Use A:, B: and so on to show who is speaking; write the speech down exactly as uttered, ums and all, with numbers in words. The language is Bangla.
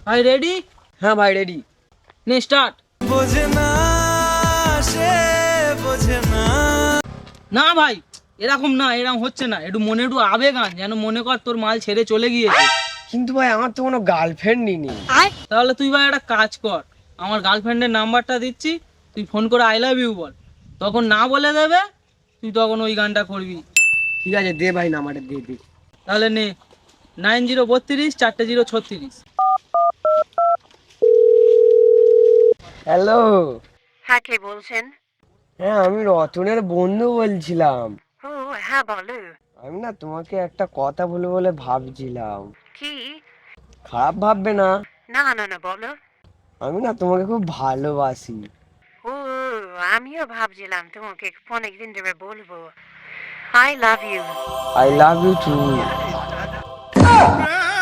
A: ভাই রেডি?
B: হ্যাঁ ভাই রেডি।
A: নে স্টার্ট।
C: বোঝে না সে বোঝে না।
A: না ভাই এরকম না, এরকম হচ্ছে না, একটু মনে একটু আবেগ আন, যেন মনে কর তোর মাল ছেড়ে চলে গিয়েছে।
B: কিন্তু ভাই আমার তো কোনো গার্লফ্রেন্ডই নেই।
A: তাহলে তুই ভাই একটা কাজ কর, আমার গার্লফ্রেন্ডের নাম্বারটা দিচ্ছি, তুই ফোন করে আই লাভ ইউ বল, তখন না বলে দেবে, তুই তখন ওই গানটা করবি।
B: ঠিক আছে দে ভাই নাম্বারটা দিয়ে দে।
A: তাহলে নে, নাইন জিরো বত্রিশ চারটে জিরো ছত্রিশ।
B: হ্যালো।
D: হ্যাঁ, কে বলছেন?
B: হ্যাঁ আমি রতনের বন্ধু বলছিলাম।
D: ও হ্যাঁ, বলো।
B: আমি না তোমাকে একটা কথা বলে বলে ভাবছিলাম।
D: কি?
B: খারাপ ভাববে না?
D: না না না, বলো।
B: আমি না তোমাকে খুব ভালোবাসি।
D: ও, আমিও ভাবছিলাম তোমাকে অনেকদিন ধরে বলবো। I love you.
B: I love you two.